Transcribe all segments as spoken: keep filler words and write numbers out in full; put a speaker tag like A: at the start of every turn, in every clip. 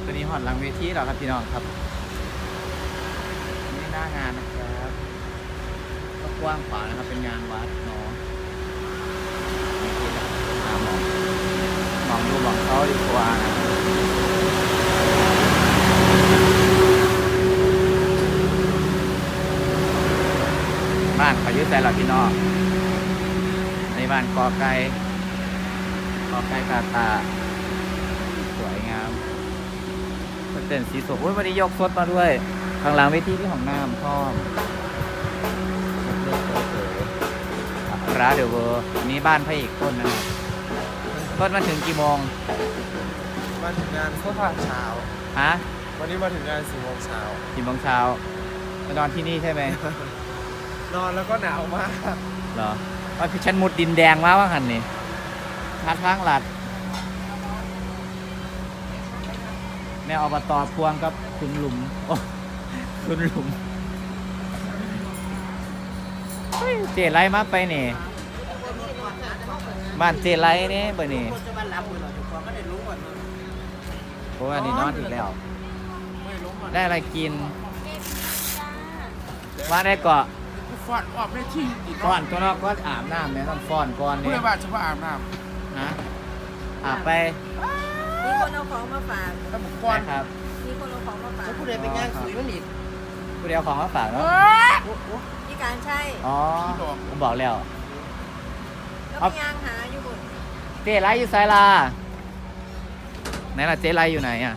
A: ตัวนี้หอดหลังเวทีเราครับพี่น้องครับนี่หน้างานนะครับก็กว้างขวางนะครับเป็นงานวัดเนาะหามองมองดูมองเขาดีกว่านะบ้านเขายึดใจเราพี่น้องในบ้านกอไก่กอไก่กาตาสวยงามเต้นสีสดโอ้ยวันนี้ยกสดมาด้วยข้างหลังเวทีที่ของน้ำพ่อมร้านเดอะเวอร์นี้บ้านพระเอกต้นนะครับต้นมาถึงกี่โมง
B: มาถึงงานเมื่อเช้า
A: ฮะ
B: วันนี้มาถึงงานสี่โมงเช้า
A: สี่โมงเช้ามานอนที่นี่ใช่ไหม
B: นอนแล้วก็หนาวมาก
A: เหรอว่าพี่ฉันมุดดินแดงมาว่าหันนี่ทัดทางหลัดแม่อบตพวงกับคุณหลุมโอ้คุณหลุมเจไรมาไปนี่บ้านเจไรนี่ไปนี่โอ้อันนี้นอนอีกแล้วได้อะไรกินว่าได้เกาะ
B: ฟอนออกไม่ที่
A: ฟ้อนตัวนอกก็อาบน้ำเนี่ยต้องฟ้อนก่อนเนี่ย
B: เพื่อว่าจะว่าอาบน้
A: ำนะอาบไป
C: มีคนเอาของมาฝาก
B: ถ้าบุกก้อน
A: ครับ
C: มีคนเอาของมาฝาก
B: จะพูดอะไรเป็นงานสวยมันอีก
A: ผู้เดียวของมาฝากเนาะ
C: พี่การใช่
A: อ๋อผมบอกแล้ว
C: แล้วพี่ยางหาอยู่บน
A: เจ๊ไรอยู่ไซลาไหนล่ะเจ๊ไรอยู่ไหนอ่ะ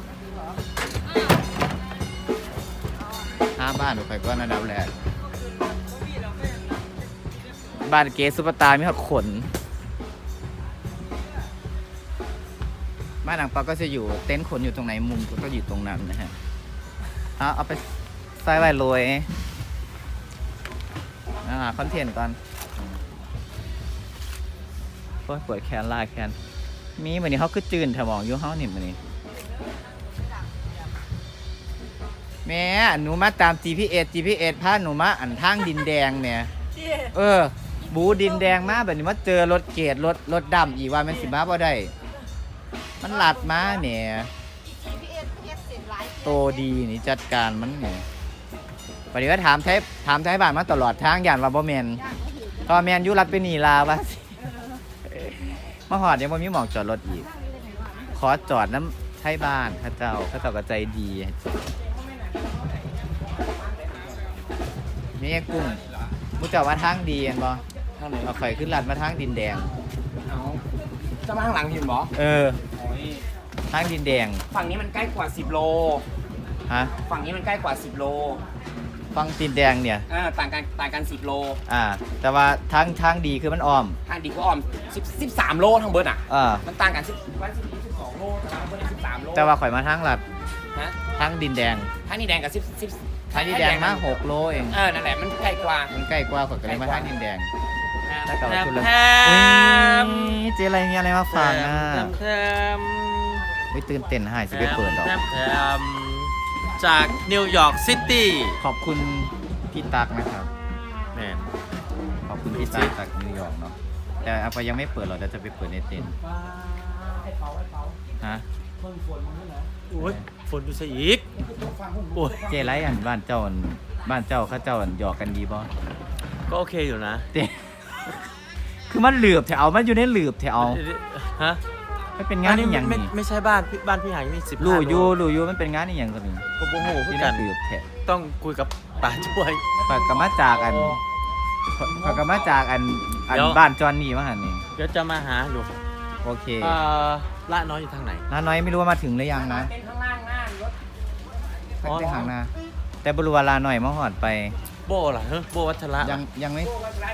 A: ห้าบ้านดูไปก็ระดับแรกบ้านเกสุปตามีหอดขนบ้านหนังปลาก็จะอยู่เต็นท์ขนอยู่ตรงไหนมุมก็อยู่ตรงนั้นนะฮะเอาเอาไปใส่ไว้โรยนะฮะคอนเทนต์ก่อนเปิดแคนลายแคนมีเหมือนนี้เขาคือจืนถมองอยู่เขาหนิเหมือนนี้แม่หนูมาตาม จี พี เอส จี พี เอส พาหนูมาอันทางดินแดงเนี่ยเออบูดินแดงมาแบบนี้มาเจอรถเกตรถรถดำอีกว่ามันสิมาบ่ได้มันหลัดมาเนี่ยโตดีนี่จัดการมันเนี่ยปฏิวัติถามไทยถามไทยบ้านมาตลอดทางย่านว่าบ่แมนตอนแมนยุรัดไปนีลาวะมาหอดยังบ่มีหมอกจอดรถอีกขอจอดน้ำไทยบ้านข้าเจ้าข้าเจ้าก็ใจดีนี่กุ้งมุจจาว่าทางดีเห็นบ่ทางไหนเอาไข่ขึ้นลัดมาทางดินแดง
B: เอาจะมาข้างหลังเห็นบ่
A: เออทางดินแดง
B: ฝั่งนี้มันใกล้กว่าสิบโล
A: ฮะ
B: ฝั่งนี้มันใกล้กว่าสิบโล
A: ฝั่งดินแดงเนี่ย
B: อ่าต่างกันต่างกันสิบโล
A: อ่าแต่ว่าทางทางดีคือมันอ้อม
B: ทางดีคืออ้อมสิบสิบสามโลทางเบิร์ดอ่ะ
A: อ่า
B: มันต่างกันสิบวันสิบสิบสองโลทางเบิร์ดสิบสามโล
A: แต่ว่าข่อยมาทางลัด
B: ฮะ
A: ทางดินแดง
B: ทางดินแดงกับสิบสิบ
A: ทางดินแดงมาหกโลเอง
B: เออนั่นแหละมันใกล้กว่า
A: มันใกล้กว่าข่อยก็เลยมาทางดินแดงแล้วก็ชุดเลยเจ๊อะไรมีอะไรมาฝากนะไม่ตื่นเต้นหายสิไปเปิดหรอก
D: จากนิวยอร์กซิตี้
A: ขอบคุณพี่ตักนะครับ
D: แม่
A: ขอบคุณพี่ตักจากนิวยอร์กเนาะแต่อาปยังไม่เปิดหรอกเดี๋ยวจะไปเปิดในเต็นท์ฮะ
D: โอ้ยฝนดูซะอีก
A: โอ้ยเจ๊ไรอันบ้านเจ้าบ้านเจ้าข้าเจ้าหยอกกันดีบ่
D: ก็โอเคอยู่นะ
A: เต้คือมันเหลือบแถวมันอยู่ในเหลือบแถว
D: ฮะ
A: ไม่เป็นงานนี่อย่าง
D: นี้ไม่ใช่บ้านบ้านพี่หายมีสิบ
A: ลู่ยูลู่ยูมันเป็นงานนี่อย่างกัน
D: ก็โมโห
A: ที่นั่นเหลือบแถว
D: ต้องคุยกับป่าช่วย
A: ฝากกับมาจากอันฝากกับมาจากอันอันบ้านจอนนี่มาหันนี่
D: เดี๋ยวจะมาหาอยู่
A: โอเค
D: เอ่อละน้อยอยู่ทางไหน
A: ละน้อยไม่รู้ว่ามาถึงหรือยังนะ
B: เป็นข้างล่างหน้ารถ
A: ไปหางนาแต่บรูวาลาหน่อยมาหอดไป
D: โบล่ะเฮ้ยโบวัชระ
A: ยังยังไม่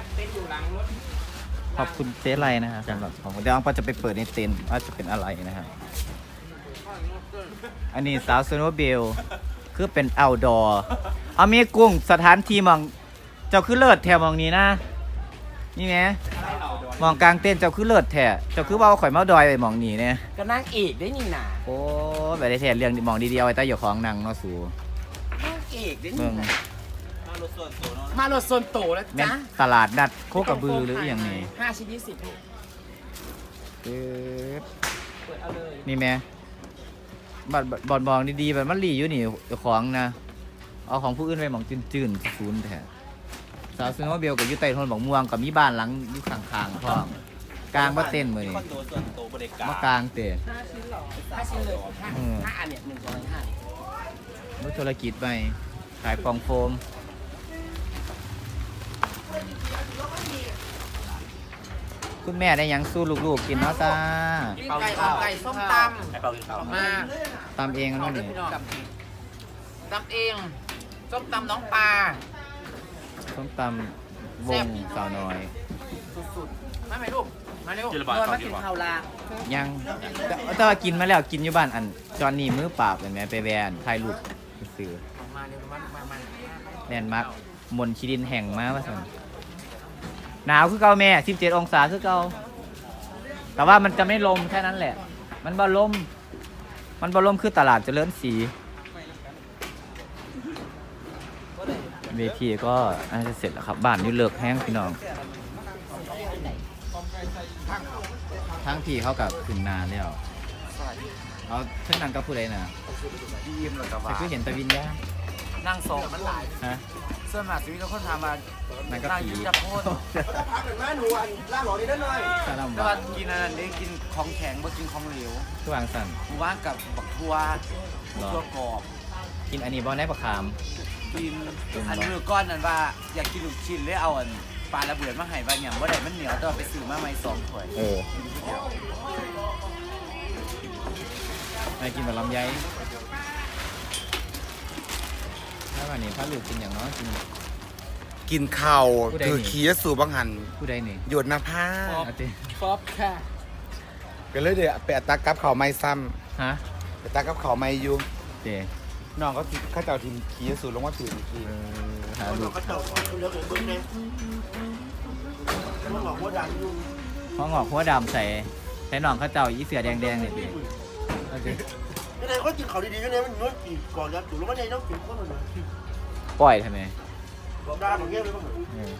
A: ขอบคุณเจ๊ไรนะฮะสำหรับของเดี๋ยวก็จะไปเปิดในเต็นท์ว่าจะเป็นอะไรนะฮะอันนี้สาวสโนว์เบลคือเป็นเอาท์ดอร์เอามีกุ้งสถานที่มองเจ้าคือเลิศแถวมองนี้นะนี่ไหมมองกลางเต้นเจ้าคือเลิศแถวเจ้าคือว่าข่อยเมาดอยไปมองนี่เนี่ย
B: ก็นั่งเอกได้นี่น่ะ
A: โอ้แบบได้แถวเรื่องมองดีๆเอาไว้ใต้หยกของนางเนาะสู
B: นั่งเอกได้นี่น่ะมารถส่วนโต
A: มารถส่วนโตแล้วจ้ะตลาดนัดโคกระบือหรืออย่างนี้
B: ห้าชิ้นยี่สิบ
A: เปิดเอาเลยนี่แม่บัดบอดบองดีๆแบบมันหลีอยู่นี่เจ้าของนะเอาของผู้อื่นไปหมองจืนๆศูนย์แท้สาวซื้อมาเบลกับอยู่ใต้ต้นบักม่วงกับมีบ้านหลังอยู่ข้างๆพร้อมกลางบ่เต้นมื้อ
B: มี
A: นี้
B: คอนโดส่วนตัวบริการ
A: บ่กลางเตะ
B: ห้าชิ้นเลยห้า
A: อืม
B: ห้าอันเนี่ยหนึ่งสองห้า
A: รู้ธุรกิจไปขายฟองโฟมคุณแม่ได้หยังสู้ลูกๆกินเนาะจ้า
B: ไก่เอาไก่ส้มตำไก่เปล่ากินข้าวมา
A: ตำเองนั่นนี่
B: ตำเองส้มตำน้องปลา
A: ส้มตำวงสาวน้อย
B: สุดๆมาไหมลูกมาเร็วเดินมากินข้าวลา
A: ยังแต่แต่ว่ากินมาแล้วกินอยู่บ้านอันจอนนี่มือปราบเห็นไหมไปแวนถ่ายรูปซื้อ
B: มาเร็วมามามา
A: แน่นมักมนชิดินแห่งมาว่าสันหนาวคือเก่าแม่สิบเจ็ดองศาคือเก่าแต่ว่ามันจะไม่ลมแค่นั้นแหละ มันบ่ลม มันบ่ลมคือตลาดเจริญศรีเวทีก็น่าจะเสร็จแล้วครับบ้านนี่เลิกแห้งพี่น้องทั้งพี่เขากับขึ้นนานแล้วเอาเช่นนั้นก็พูดเลยนะ
B: ยิ้มแล้วก็
A: แต่
B: ว่า
A: คือเห็นแตะวินย่า
B: นั่งสองมันหลาย
A: ฮะ
B: เสื้อหมาชีวิตก็คนทำมา
A: นั่นก็
B: นั่ง
A: ผี
B: ยิ้มจะโคตร
A: สาร
B: แต่
A: วั
B: ว่า
A: ตร
B: กินอันนั้นได้กินของแข็งบ่กินของเหลว
A: ทุกวางสั่น
B: กูว่างกับบักทัวทัวกรอบ
A: กินอันนี้บอลได้ประคาม
B: กินอันมือก้อนนั้นว่าอยากกินลูกชิ้นเลยเอาอันปลาระเบิดมาให้บ้านอย่างว่าได้มันเหนียวแต่ว่าไปซื้อมาใหม่สองถ้วย
A: เออไม่กินแบบลำไยถ้าวันนี้พระลูกกินอย่างน้อยกิน
E: กินข้าว
A: ผู้ใด
E: ถือ
A: นี่
E: ขี้สู่บังหัน
A: ผู้ใดนี่
E: หยดน้ำผ้า
A: อาติ
B: ฟอบค่ะ
E: ก็เลยเดี๋ยวไปอัตตักกับข้าวไม่ซ้
A: ฮะ
E: ำไปตักกับข้าวไม่อยู่
A: เจ
E: น้องก็คิดเข้าเจ้าทีมขี้สู่ลงมาถืออีกที
A: เออหาลูกห้องหงอกหัวดำใส่ใส่หนองข้าวเจ้าอีเสือแดงๆเนี่ยเจเอาเจ
F: cái này có chừng khẩu đi đi cái này mình nói chỉ còn ra chủ lúc này nó chỉ có mình
A: ปล่อยทำไม
F: còn ra mà nghe được không
A: เออ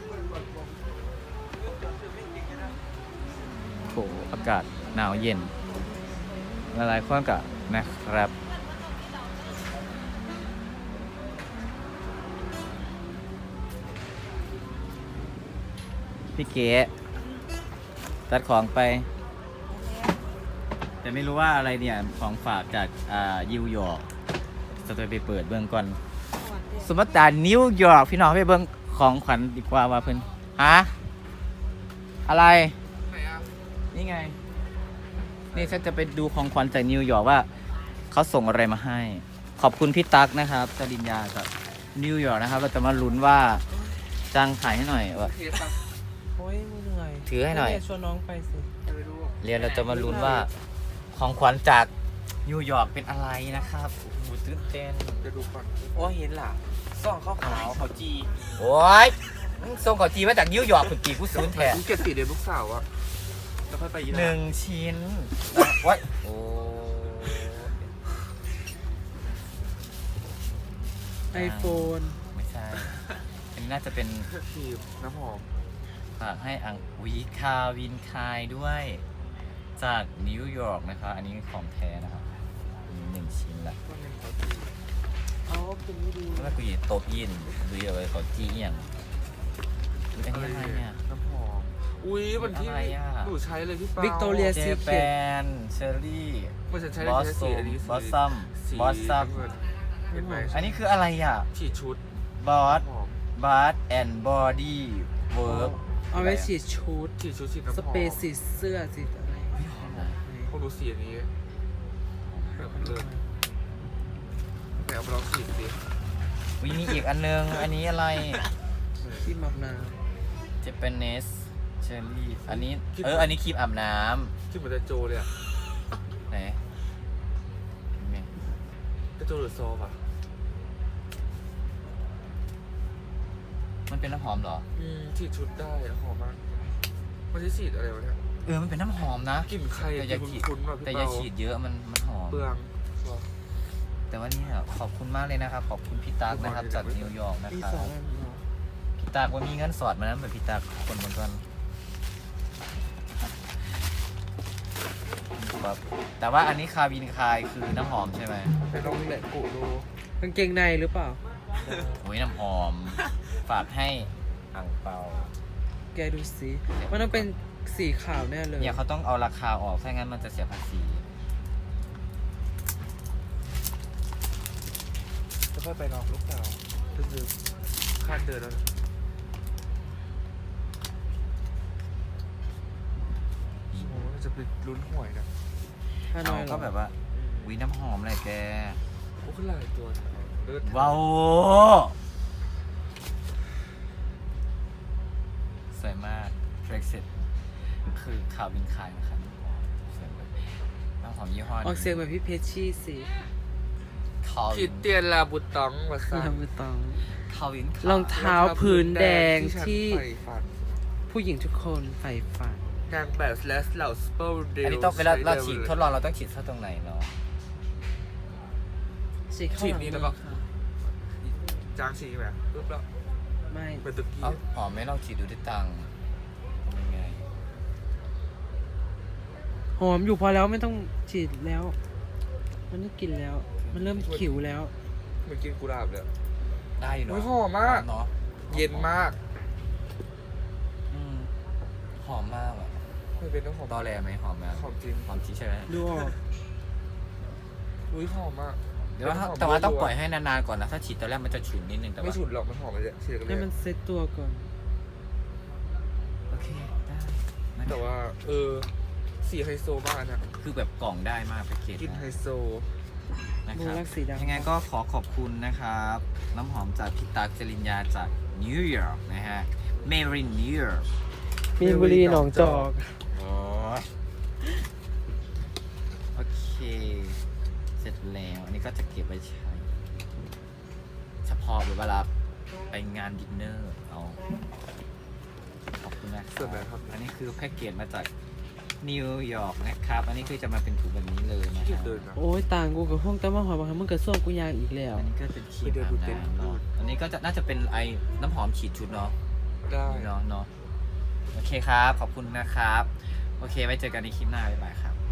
A: โอ้โหอากาศหนาวเย็นละลายความกับนะครับ พี่เก๋ตัดของไป แต่ไม่รู้ว่าอะไรเนี่ย ของฝากจากอ่ายิวยอร์กจะไปเปิดเบื้องก่อน สมมติการนิวยอร์กพี่น้องไปเบิ่งของขวัญดีกว่าว่าเพิ่นฮะอะไรนี่ไง นี่ฉันจะไปดูของขวัญจากนิวยอร์กว่าเขาส่งอะไรมาให้ ขอบคุณพี่ตั๊กนะครับจริญญาจากนิวยอร์กนะครับ เราจะมาลุ้นว่าจ้างถ่ายให้หน่อยว่า
B: โอ้ยเหนื่อย
A: ถือให้หน่อย
B: ชวนน้องไปสิ
A: เรียนเราจะมาลุ้นว่าของขวัญจากนิวยอร์กเป็นอะไรนะครับโอ้โหตื่นเต้น
B: โอ้เห็นล่ะซ่องขาวขาวเขาจี
A: โอ้ยมึงส่งของจีนมาจากนิวยอร์กคุณจีกูศูนย์แท้
E: กูเก็บสีเดือนลูกสาวอะแล้วค่อยไปยี
A: หนึ่งชิ้นโอ้ยโอ้
B: ไอโฟน
A: ไม่ใช่ อันนี้น่าจะเป็น
E: ทีมน้ำหอม
A: ฝากให้อังวีคาวินคายด้วย จากนิวยอร์กนะครับอันนี้ของแท้นะครับอันนี้หนึ่งชิ้นละ
B: เขาเป็นไม่ดี
A: แล้วกูยินโต๊ะยินดูเอาไว้เขาจี้อหย่างอุ๊ยอันนี้อะไรเนี่ย
E: น้ำหอมอุ้ยมันที่
A: อะไรอะ
E: หนูใช้เลยพี่เปา
B: วิกตอเรีย
A: เจ
B: ซี
A: แป
B: เค็ด
A: นเชอรี่
E: มันจะใช้
A: บอส
E: ใช้
A: โซ
E: สีอันนี้
A: บอสซัม
E: สี
A: บอสซัม
E: น้ำเงินเห็นไหม
A: อันนี้คืออะไรอ่ะ
E: ฉีดชุด
A: บอส
E: น้ำหอม
A: บาร์แอนด์บอดี้เวิร์ก
B: เอาไว้ฉีดชุด
E: ฉีดชุดฉีดน้ำหอม
B: สเปรย์สีเสื้อสีอะไร
E: พวกหนูสีอันนี้แบบเลิศไหนเอาไปลองฉีดสิ
A: วิมีอีกอันนึง อันนี้อะไร
B: ที่มับนา
A: เจแปนเนสเชอรี่อันนี้เอออันนี้ครีมอาบน้
E: คิดเหมือนจะโจเลยอะ
A: ำไหนนี่
E: จะโจหรือซอฟอะ
A: มันเป็นน้ำหอมเหรอ
B: อืม
E: ฉีดชุดได้อะหอมมากมันจะฉีดอะไรวะเนี่ย
A: เออมันเป็นน้ำหอมนะ
E: กลิ่นใคร
A: แต่
E: อะ
A: อย่าก
E: ลิ่น
A: ฉีด
E: คุ้นๆว่ะพี่
A: แต่อย่า
E: เปา
A: ฉีดเยอะมันมันหอม
E: เปลืองว่ะ
A: แต่ว่านี่ขอบคุณมากเลยนะครับ ขอบคุณพี่ตั๊กนะครับจากนิวยอร์กนะ
B: อี
A: ครั
B: สา
A: บ
B: น
A: พี่ตั๊กว่ามีเงินสอดมานะเหมือนพี่ตั๊กคนบนต้นแบบแต่ว่าอันนี้คาบินคายคือน้ำหอมใช่ไหม
E: ไปลองแหละกูดู
G: กางเกงในหรือเปล่า
A: โอ้ยน้ำหอม ฝากให้อ่างเปา
G: แกดูสิมันต้องเป็นสีขาวแน่เลย
A: เนี่ยเขาต้องเอาราคาออกไม่งั้นมันจะเสียภาษี
E: จะค่อยไปนอกลูกสาวก็คือคาดเดินแล้วนะโอ้จะไปลุ้นหวยนะ
G: ฮาน
A: เอา
G: อยเหร
A: ก็
G: อ
A: แบบว่าวิน้ำหอมอะไรแก
E: โอ้ขึ้นหลายตัวนะเลิศ
A: ว้าวสวยมาก Brexit คือคาบินคายนะครับสวยมากน้ำหอมยี่ห้อ
G: ออกเสียงแบบพี่เพชรชี่สิ
A: คา
E: คิ
A: วิ
E: ด
A: น
E: เตียนลาบุตองมาสร้าง
G: เราไม่ต้อง
A: คาวิน
G: รองเท้าพื้นแดงที่
E: ฉันใฝ่ฝัน
G: ผู้หญิงทุกคนใฝ่ฝัน
E: นางแบบและเหล่าสเปอร์เดล
A: อันนี้ต้องเวลาเราฉีดทดลองเราต้องฉีดเข้าตรงไหนเนาะ
G: ฉีดเข้าหลังมือค่ะ
E: จางฉีดไหมปุ๊บแล้ว
G: ไม่
E: เป็นตะกี้
A: เอ้าหอมไหม่ลองฉีดดูที่ตังค์เป็นไง
G: หอมอยู่พอแล้วไม่ต้องฉีดแล้ว มันได้กลิ่นแล้ว มันเริ่มขิวแล้ว
E: เหมือนกินกุหลาบเลย
A: ได้อยู่เนาะ
E: โอ้ยหอมมาก
A: เนาะ
E: เย็นมาก
A: อืมหอมมากอ่ะ
E: ไม่เป็นน้ำหอม
A: ตอแรไหมหอมไหม
E: หอมจริง
A: หอมจริงใช่ไหม
G: ดูออก
E: อุ้ยหอมมาก
A: เดี๋ยวว่าถ้าแต่ว่าต้องปล่อยให้นานๆก่อนนะถ้าฉีดตอนแรกมันจะฉุนนิดนึงแต่
E: ไม่
A: ว่า
E: ฉุนหรอกมันหอมเลยฉีดกันเล
G: ให้
E: ย
G: มันเซ็ตตัวก่อน
A: โอเคได้
E: แต่ว่า เออสีไฮโซมากนะ
A: คือแบบกล่องได้มากแพ็กเกจ
E: กินไฮ
A: นะ
E: โซ
A: นะ
G: มู
A: ครับ
G: รักสีดำ
A: ยังไงก็ขอขอบคุณนะครับ น้ำหอมจากพี่ตั๊กจริญญาจากนิวยอร์กนะฮะเมรินนิวยอร์ก
G: มีนบุรีหนองจอก
A: โอ้ยโอเค เสร็จแล้ว อันนี้ก็จะเก็บไว้ใช้ เฉพาะเวลาไปงานดินเนอร์ เอา ขอบคุณนะค
E: ส่วนไหน
A: รับ
E: ครับ
A: อันนี้คือแพ็กเกจมาจากนิวยอร์กนะครับ อันนี้คือจะมาเป็นถุงแบบนี้เลยนะค
E: ขี้
A: รับ
E: เดินนะ
G: โอ้ยต่างกูกับห้องแต่มาหอยบางครั้งมึงกับส้วมกูยางอีกแล้ว
A: อันนี้ก็เป็นครีม
E: ไปเดิน
A: อา
E: ดู
A: บ
E: เต็นท์
A: น้ำเนาะอันนี้ก็จะน่าจะเป็นไอ้น้ำหอมฉีดชุดเนาะ
E: ได้
A: เนาะเนาะโอเคครับ ขอบคุณนะครับ โอเค ไว้เจอกันในคลิปหน้า บ๊ายบายครับ